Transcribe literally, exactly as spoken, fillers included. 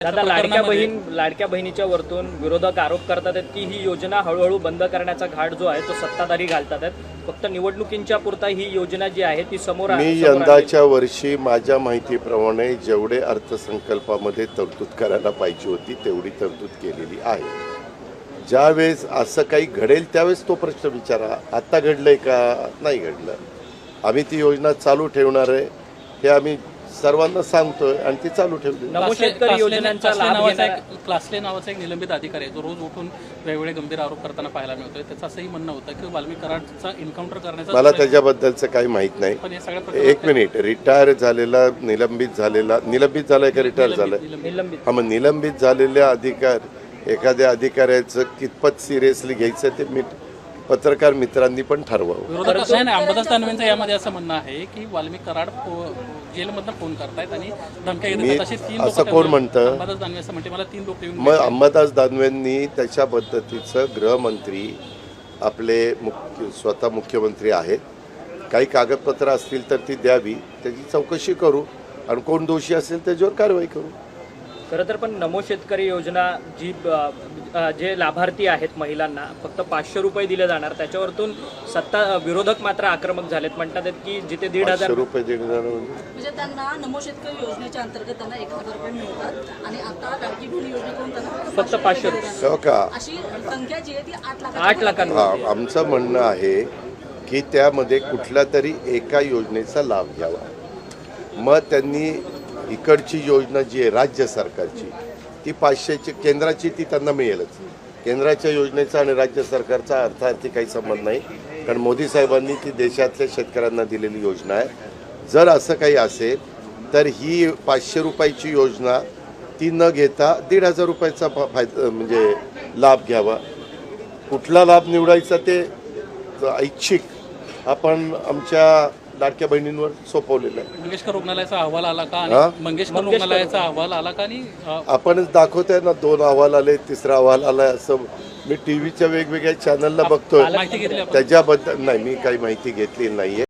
दादा, लाडक्या बहीण लाडक्या बहिणीच्या वरतून विरोधक आरोप करतात आहेत की ही योजना हळूहळू बंद करण्याचा घाट जो आहे तो सत्ताधारी घालतात आहेत. फक्त निवडणुकींच्या पुरता ही योजना जी आहे ती समोर मी यंदाच्या वर्षी माझ्या माहितीप्रमाणे जेवढे अर्थसंकल्पामध्ये तरतूद करायला पाहिजे होती तेवढी तरतूद केलेली आहे. ज्यावेळेस असं काही घडेल त्यावेळेस तो प्रश्न विचारा. आता घडलंय का? नाही घडलं. आम्ही ती योजना चालू ठेवणार आहे हे आम्ही सर्वांना सांगतोय आणि ती चालू ठेवली. नमो शेतकरी योजनांचा लाभ घेणारा क्लासले नावाचा एक निलंबित अधिकारी आहे जो रोज उठून वेगवेगळे गंभीर आरोप करताना पाहायला मिळतोय. त्याचं असंही म्हणणं होतं की वाल्मिक कराडचा एन्काउंटर करण्याचा मला त्याच्याबद्दलचं काही माहित नाही. पण हे सगळ्या एक मिनिट. रिटायर झालेला निलंबित झालेला निलंबित झालाय का रिटायर झालाय? निलंबित हा, मग निलंबित झालेल्या अधिकार एखाद्या अधिकाऱ्याचं कितपत सिरियसली घ्यायचं ते मी पत्रकार मित्रांनी पण ठरवावं. विरोधक नाही नाही अंबादास दानवेंचं यामध्ये असं म्हणणं आहे की वाल्मिक कराड जेलमधनं फोन करतायत आणि धमक्या देतात. असे तीन असं कोण म्हणतं? अंबादास दानवे असं म्हणते मला तीन लोक येऊन मग अंबादास दानवेंनी त्याच्या पद्धतीचं गृहमंत्री आपले मुख्य स्वतः मुख्यमंत्री आहेत, काही कागदपत्र असतील तर ती द्यावी, त्याची चौकशी करू आणि कोण दोषी असेल त्याच्यावर कारवाई करू. खरं तर पण नमो शेतकरी योजना जी जे लाभार्थी आहेत महिलांना फक्त पाचशे रुपये दिले जाणार, त्याच्यावरतून सत्ता विरोधक मात्र आक्रमक झालेत. म्हणतात की जिथे दीड हजार रुपये देणार म्हणजे त्यांना नमो शेतकरी योजनेच्या अंतर्गत त्यांना एक हजार रुपये मिळतात आणि आता लाडकी बहीण योजनेकडून त्यांना फक्त पाचशे रुपये हो का? अशी संख्या जी आहे ती आठ लाख आठ लाखांमध्ये. आमचं म्हणणं आहे की त्यामध्ये कुठल्या तरी एका योजनेचा लाभ घ्यावा. मग त्यांनी इकडची योजना जी आहे राज्य सरकारची ती पाचशेची केंद्राची ती त्यांना मिळेलच. केंद्राच्या योजनेचा आणि राज्य सरकारचा अर्थार्थी काही संबंध नाही, कारण मोदी साहेबांनी ती देशातल्या शेतकऱ्यांना दिलेली योजना आहे. जर असं काही असेल तर ही पाचशे रुपयाची योजना ती न घेता दीड हजार रुपयाचा फायदा म्हणजे लाभ घ्यावा. कुठला लाभ निवडायचा ते ऐच्छिक आपण आमच्या लाडक्या बहिणींवर सोपवलेलं आहे. मंगेशकर रुग्णालयाचा अहवाल आला का? आणि मंगेशकर रुग्णालयाचा अहवाल आला का? आणि आपणच दाखवतोय ना, दोन अहवाल आले, तिसरा अहवाल आलाय असं मी टीव्हीच्या वेगवेगळ्या चॅनलला बघतोय. माहिती घेतली आपण? त्याच्याबद्दल नाही, मी काही माहिती घेतली नाहीये.